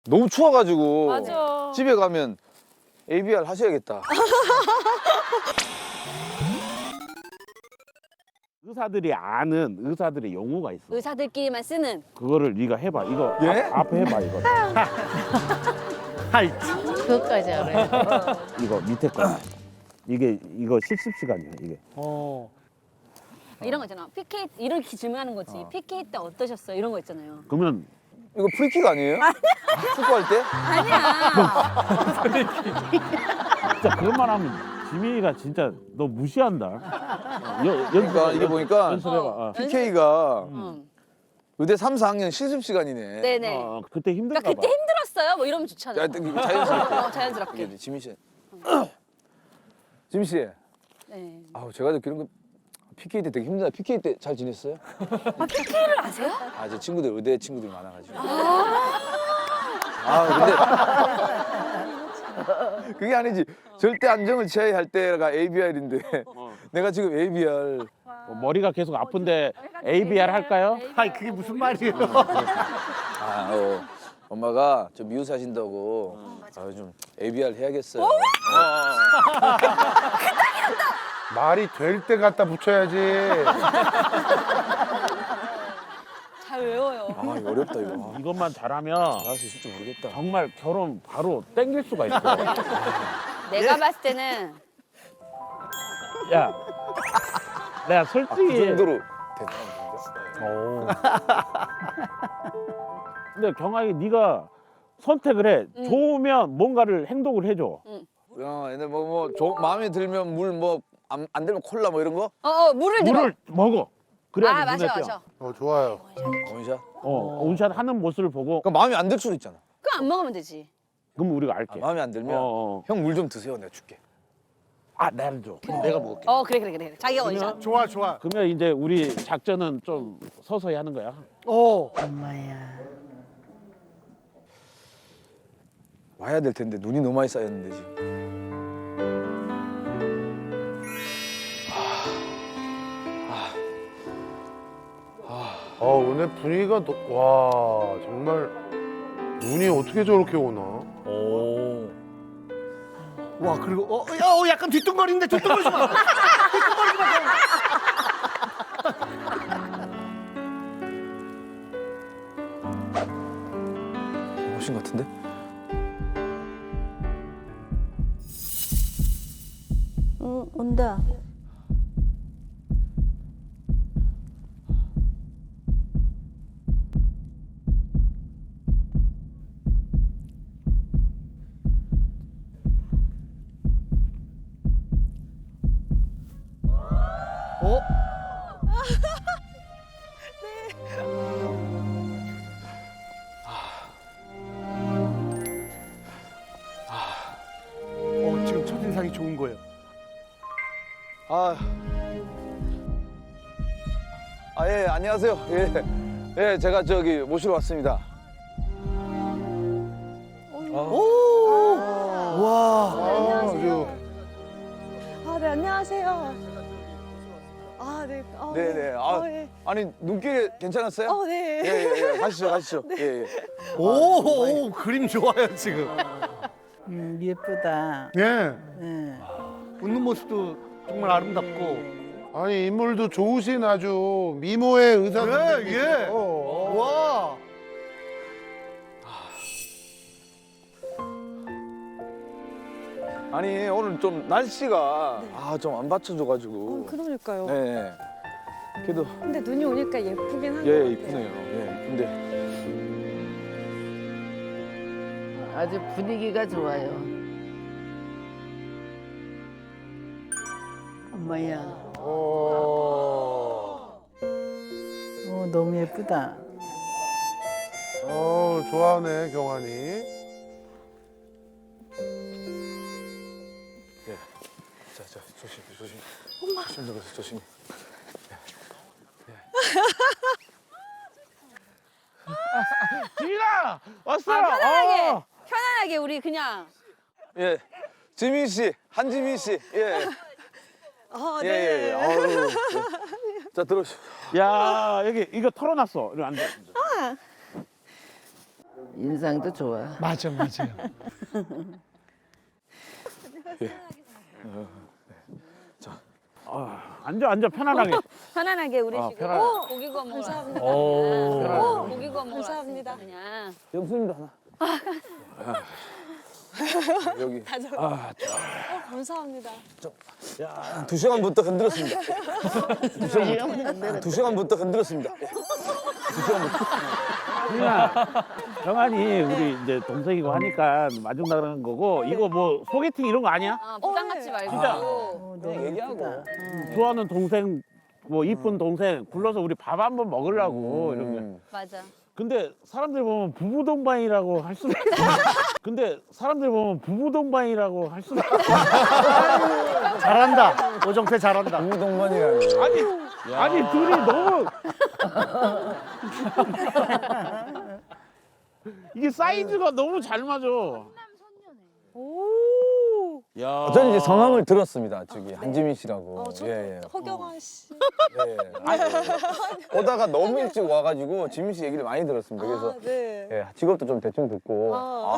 너무 추워가지고 맞아. 집에 가면 ABR 하셔야겠다. 의사들이 아는 의사들의 용어가 있어. 의사들끼리만 쓰는. 그거를 네가 해봐. 이거 예? 앞에 해봐 이거. 하이. 그것까지 알아요. 이거 밑에 거. 이거 실습 시간이야 이게. 이런 거 있잖아. PK 이렇게 질문하는 거지. PK 때 어떠셨어요? 이런 거 있잖아요. 그러면 이거 프리킥 아니에요? 축구할 때? 아니야. 진짜 그런 말 하면 지민이가 진짜 너 무시한다. 그러니까 이게 보니까 연습해봐. 어. PK가 응. 의대 3, 4학년 실습 시간이네. 네네. 그때 힘들까 그러니까 그때 봐. 힘들었어요. 뭐 이러면 좋잖아. 야, 자연스럽게. 자연스럽게. 이게 지민 씨. 지민 씨. 네. 아우 제가 듣기로는 그 PK 때 되게 힘들다. PK 때 잘 지냈어요? 아, PK를 아세요? 아, 제 친구들 의대 친구들이 많아가지고. 아, 근데 그게 아니지. 절대 안정을 취해야 할 때가 ABR인데 내가 지금 ABR. 머리가 계속 아픈데 ABR 할까요? 아니 그게 무슨 말이에요? 엄마가 좀 미우사신다고 좀 ABR 해야겠어요. 말이 될 때 갖다 붙여야지. 잘 외워요. 아, 이거 어렵다 이거. 이것만 잘하면 잘할 수 있을지 모르겠다. 정말 결혼 바로 땡길 수가 있어. 내가 봤을 때는 야, 내가 그 솔직히 정도로 됐다. 근데 경아이 네가 선택을 해. 좋으면 뭔가를 행동을 해줘. 근데 마음에 들면 물 안 들면 콜라 뭐 이런 거? 물을 들어. 물을 먹어. 그래야 아, 눈에 마셔, 띄어. 마셔. 좋아요. 원샷? 온샷 하는 모습을 보고 그럼 마음에 안 들 수도 있잖아. 그럼 안 먹으면 되지. 그럼 우리가 알게. 마음에 안 들면 형 물 좀 드세요. 내가 줄게. 나를 줘. 내가 먹을게. 그래. 자기가 원샷. 좋아 좋아. 그러면 이제 우리 작전은 좀 서서히 하는 거야. 엄마야. 와야 될 텐데 눈이 너무 많이 쌓였는데 지금. 오늘 분위기가 와 정말 눈이 어떻게 저렇게 오나? 와 그리고 약간 뒤뚱거리는데 뒤뚱거리지 마. 뒤뚱거리지 마. 훨씬 같은데? 온다. 지금 첫인상이 좋은 거예요. 예, 안녕하세요. 예, 제가 저기 모시러 왔습니다. 와. 아주 네, 안녕하세요. 네. 네네. 예. 아니 눈길 괜찮았어요? 네. 예. 가시죠. 예. 오, 그림 좋아요 지금. 예쁘다. 예. 웃는 모습도 정말 아름답고. 아니 인물도 좋으신 아주 미모의 의사 선생님. 예. 와. 아니 오늘 좀 날씨가 좀 안 받쳐줘가지고. 그러니까요. 네. 그래도 근데 눈이 오니까 예쁘긴 한 것 예 같아요. 이쁘네요. 예 이쁜데. 아주 분위기가 좋아요. 엄마야. 너무 예쁘다. 좋아하네 경환이. 자 조심. 조심. 지민아 왔어. 편안하게 우리 그냥. 예. 지민 씨, 한지민 씨. 예. 예. 아유. 자 들어오시오. 야 여기 이거 털어놨어. 이리 앉아. 인상도 좋아. 맞아, 맞아요. 앉아 편안하게. 편안하게 우리 아, 지금 편안하게. 고기 구워 먹으러 감사합니다. 오. 고기 구워 먹으러 감사합니다. 왔으니까 그냥. 영수님도 하나. 여기. 감사합니다. 2시간부터 흔들었습니다. 2시간부터 흔들었습니다. 그냥 정한이 우리 이제 동생이고 하니까 마중 나가는 거고 이거 뭐 소개팅 이런 거 아니야? 아, 부담 갖지 말고. 진짜. 너무 얘기하고. 좋아하는 동생 뭐 이쁜 동생 불러서 우리 밥 한번 먹으려고 이런 거. 맞아. 근데 사람들 보면 부부 동반이라고 할 수도 있어. 근데 사람들 보면 부부 동반이라고 할 수도 있어. 잘한다. 오정태 잘한다. 동반이라니. 아니 둘이 너무 이게 사이즈가 너무 잘 맞아. 오. 야. 저는 이제 성함을 들었습니다. 저기 한지민 씨라고. 저 예. 허경환 씨. 예. 오다가 너무 일찍 와가지고 지민 씨 얘기를 많이 들었습니다. 그래서 아, 네. 예, 직업도 좀 대충 듣고. 아.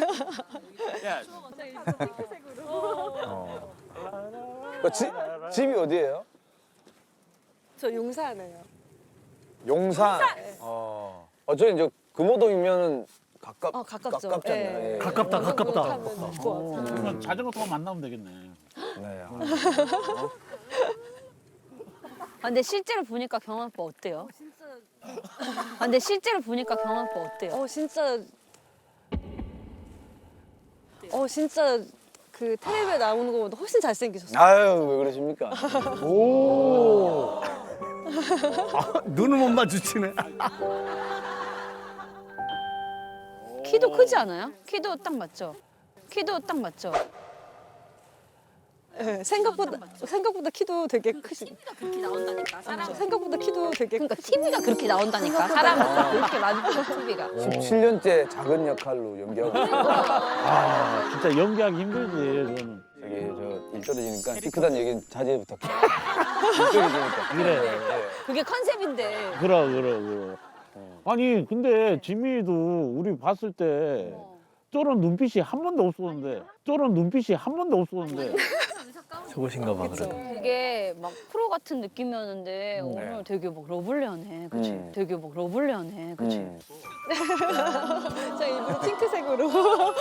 집이 어디예요? 저 용산에요. 용산. 저희 이제 금호동이면 가깝죠. 가깝잖아요. 네. 예. 가깝다, 가깝다. 타면 될것 같아요. 그러면 자전거 타고 만나면 되겠네. 네. 아, 근데 실제로 보니까 경환 오빠 어때요? 아, 근데 실제로 보니까 경환 오빠 어때요? 진짜 그 텔레비에 나오는 것보다 훨씬 잘생기셨어요. 아유, 왜 그러십니까? 오. 눈을 못 마주치네. 키도 크지 않아요? 키도 딱 맞죠? 키도 딱 맞죠? 네, 생각보다 키도 되게 크시. 그렇게 나온다니까. 사람 생각보다 키도 되게 그러니까 TV가 그렇게 나온다니까. 사람은 그렇게 많은 TV가. 17년째 작은 역할로 연기하고 있어요. 아 진짜 연기하기 힘들지 저는. 저기 일 떨어지니까 키 크다는 얘기는 자제 부탁해요. 일 떨어지니까. 그래. 그게 컨셉인데. 그럼. 아니 근데 지민이도 우리 봤을 때 저런 눈빛이 한 번도 없었는데 좋으신가 봐, 그래도. 되게 막 프로 같은 느낌이었는데 오늘 되게 막 러블리하네. 그치? 되게 막 러블리하네. 그치? 저 일부러 핑크색으로.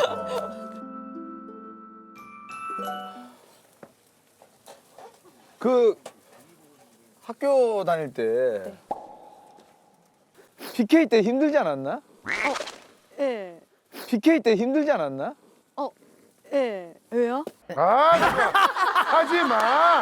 그 학교 다닐 때 PK 때 힘들지 않았나? 네. PK 때 힘들지 않았나? 네. 왜요? 아, 진짜. 하지 마.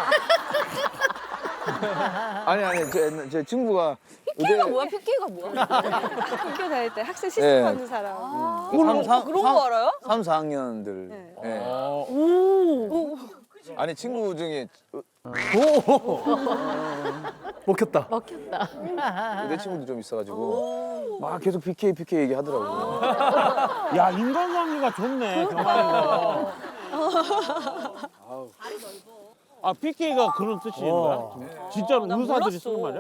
아니 제 친구가 PK가 뭐야? PK가 뭐야? 학교 다닐 때 학생 시습 네. 하는 사람. 그런 거 알아요? 3, 4학년들. 네. 아니 친구 중에 먹혔다. 먹혔다. 내 친구도 좀 있어가지고 막 계속 PK 얘기하더라고. 야 인간관계가 좋네 경환이가. 아 PK가 그런 뜻인 거야? 진짜로 의사들이 쓰는 말이야?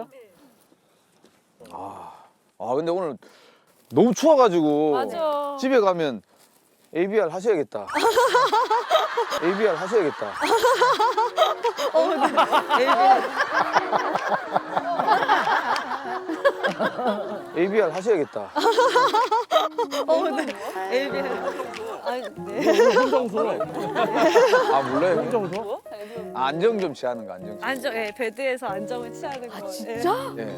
근데 오늘 너무 추워가지고 맞아. 집에 가면 ABR 하셔야겠다. ABR 하셔야겠다. ABR 하셔야겠다. 아니, 네. 혼자 웃어. 아 몰라요? 혼자 웃어? 안정 좀 취하는 거 안정. 안정, 예, 베드에서 안정을 취하는 거. 진짜? 네.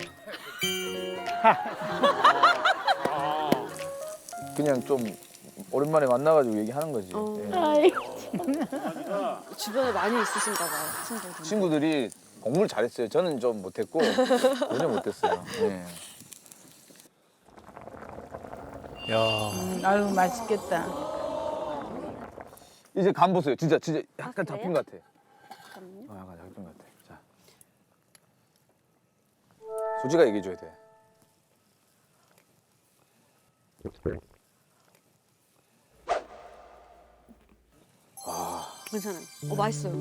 그냥 좀 오랜만에 만나가지고 얘기하는 거지. 예. 주변에 많이 있으신가 봐요, 친구들. 친구들이 공부를 잘했어요. 저는 좀 못했고 전혀 못했어요. 예. 아유 맛있겠다. 이제 간 보세요. 진짜 약간 잡힌 것 같아. 약간 잡힌 것 같아. 자, 솔직하게 얘기해줘야 돼. 괜찮아요. 맛있어요.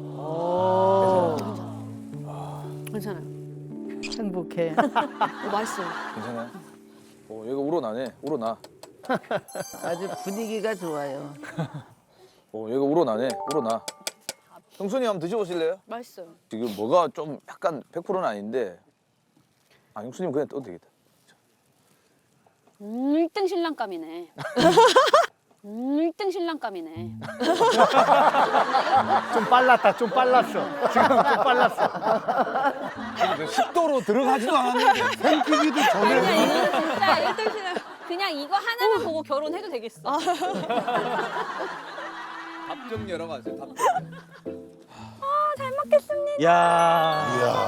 괜찮아요. 행복해. 맛있어요. 괜찮아요? 얘가 우러나네. 우러나. 아주 분위기가 좋아요. 얘가 우러나네. 우러나. 형순이 한번 드셔보실래요? 맛있어요. 지금 뭐가 좀 약간 100%는 아닌데. 형수님 그냥 떠도 되겠다. 1등 신랑감이네. 1등 신랑감이네. 좀 빨랐다. 좀 빨랐어. 지금 좀 빨랐어. 식도로 들어가지도 않았는데. 생기기도 전에 그냥 이거 진짜 1등 신랑. 그냥 이거 하나만 보고 결혼해도 되겠어. 답정 열어가세요. 답정. 잘 먹겠습니다. 야,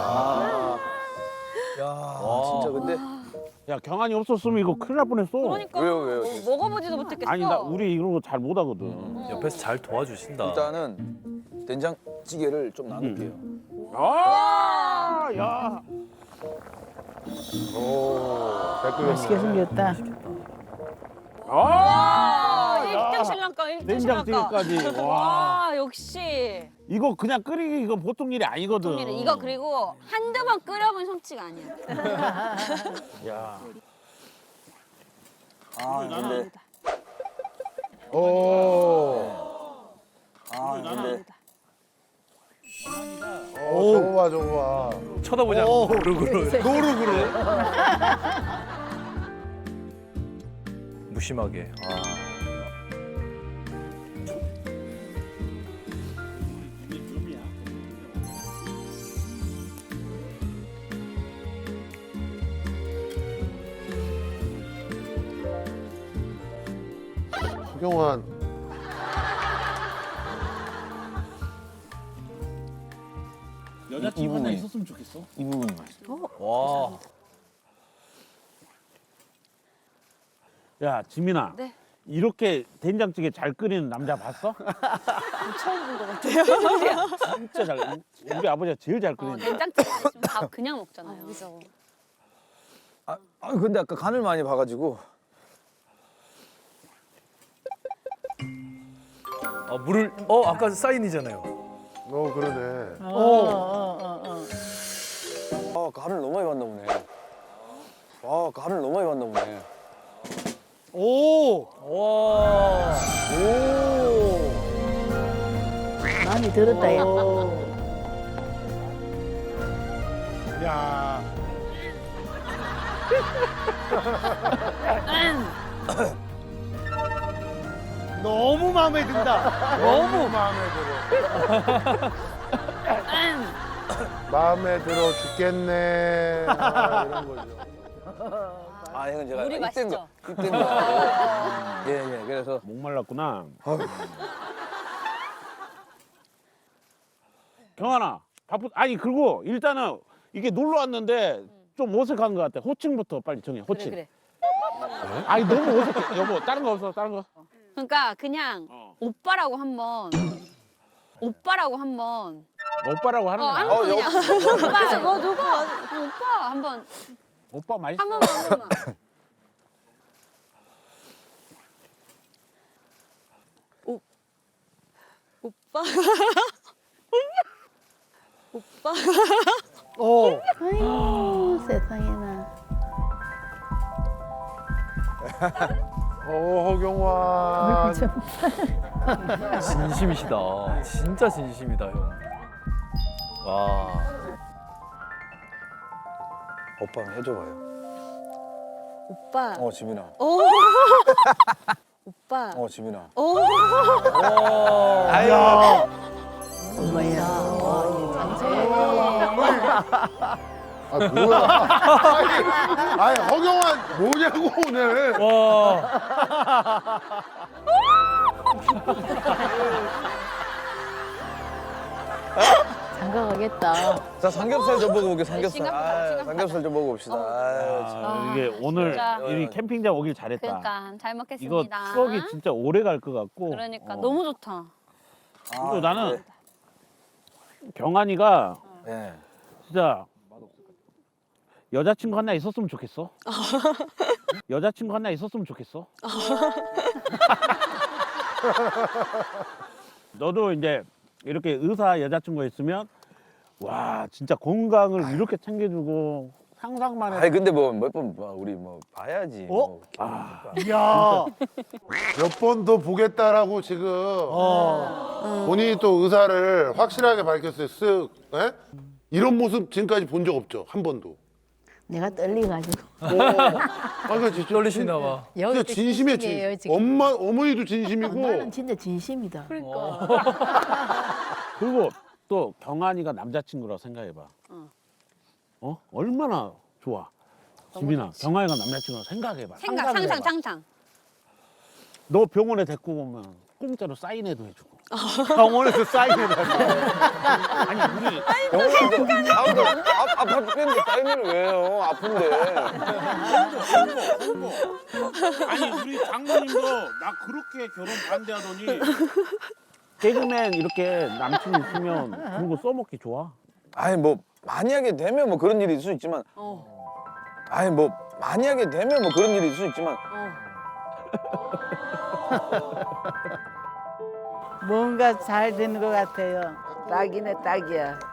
진짜 근데 야 경환이 없었으면 이거 큰일 날 뻔했어. 그러니까 왜요? 먹어보지도 못했겠어. 아니 나 우리 이런 거 잘 못하거든. 옆에서 잘 도와주신다. 일단은 된장찌개를 좀 나눌게요. 아, 야. 맛있게 생겼다. 아, 1등 신랑감, 1등 신랑감. 된장찌개까지. 와. 와, 역시. 이거 그냥 끓이기 이건 보통 일이 아니거든. 이거 그리고 한두 번 끓여본 솜씨가 아니야. 야. 근데 근데 저거 봐 저거 봐. 쳐다보지 않고 노르그로. 노르그로. 무심하게. 허경환. 여자친구 하나 있었으면 좋겠어. 이 부분이 맛있어. 와. 야 지민아. 네. 이렇게 된장찌개 잘 끓이는 남자 봤어? 처음 본 것 같아요. 진짜 잘. 우리 아버지가 제일 잘 끓이는. 된장찌개 있으면 밥 그냥 먹잖아요. 그죠. 근데 아까 간을 많이 봐가지고 물을 아까 사인이잖아요. 그러네. 간을 너무 많이 봤나 보네. 간을 너무 많이 봤나 보네. 오. 와. 많이 들었다, 야. 야. 너무 마음에 든다. 너무 마음에 들어. 마음에 들어 죽겠네. 이런 거죠. 형은 제가 물이 맛있죠? 입된 거. 예. 그래서 목말랐구나. 경환아, 아니 그리고 일단은 이게 놀러 왔는데 좀 어색한 것 같아. 호칭부터 빨리 정해. 호칭. 그래. 아니 너무 어색해. 여보, 다른 거 없어? 다른 거? 그러니까 그냥 오빠라고 한번. 오빠라고 한번. 오빠라고 하는 거야. 한번 그냥. 오빠, 누가? 오빠 한번. 오빠 맛있어. 한 번만. 오빠. 오빠. 아이고, 세상에나. 허경환. 진심이시다. 진짜 진심이다, 형. 와. 오빠 해줘봐요. 오빠. 지민아. 오빠. 지민아. 아유. 엄마야. 뭐야? 아니 허경환 뭐냐고 오늘. 와. 장가 가겠다. 자 삼겹살 좀 먹어볼게. 삼겹살. 싱겁다. 삼겹살 좀 먹어봅시다. 이게 오늘 진짜. 이 캠핑장 오길 잘했다. 그러니까 잘 이거 먹겠습니다. 추억이 진짜 오래 갈 것 같고. 그러니까 너무 좋다. 그리고 나는 경환이가 네. 진짜 여자친구 하나 있었으면 좋겠어. 여자친구 하나 있었으면 좋겠어. 너도 이제 이렇게 의사 여자친구가 있으면 와 진짜 건강을 이렇게 챙겨주고 상상만 해도 아니 근데 뭐 몇 번 우리 뭐 봐야지. 어? 뭐. 이야. 몇 번 더 보겠다라고 지금 본인이 또 의사를 확실하게 밝혔어요. 쓱. 예? 이런 모습 지금까지 본 적 없죠. 한 번도. 내가 떨려가지고. 아, 그러니까 진짜 떨리시나 봐. 진짜 진심이야, 진심이에요, 진. 어머니도 진심이고. 나는 진짜 진심이다. 그리고 또 경환이가 남자친구라고 생각해봐. 얼마나 좋아. 지민아, 경환이가 남자친구라고 생각해봐. 생각 상상. 너 병원에 데리고 오면 공짜로 사인회도 해주고. 병원에서 사인해달라. 아니 우리 병원에서 아파 죽겠는데 타이밍을 왜 해요? 아픈데. 아니 우리 장모님도 나 그렇게 결혼 반대하더니 개그맨 이렇게 남친 있으면 그런 거 써먹기 좋아. 아니 뭐 만약에 되면 뭐 그런 일이 있을 수 있지만. 아니 뭐 만약에 되면 뭐 그런 일이 있을 수 있지만. 뭔가 잘 되는 것 같아요. 딱이네, 딱이야.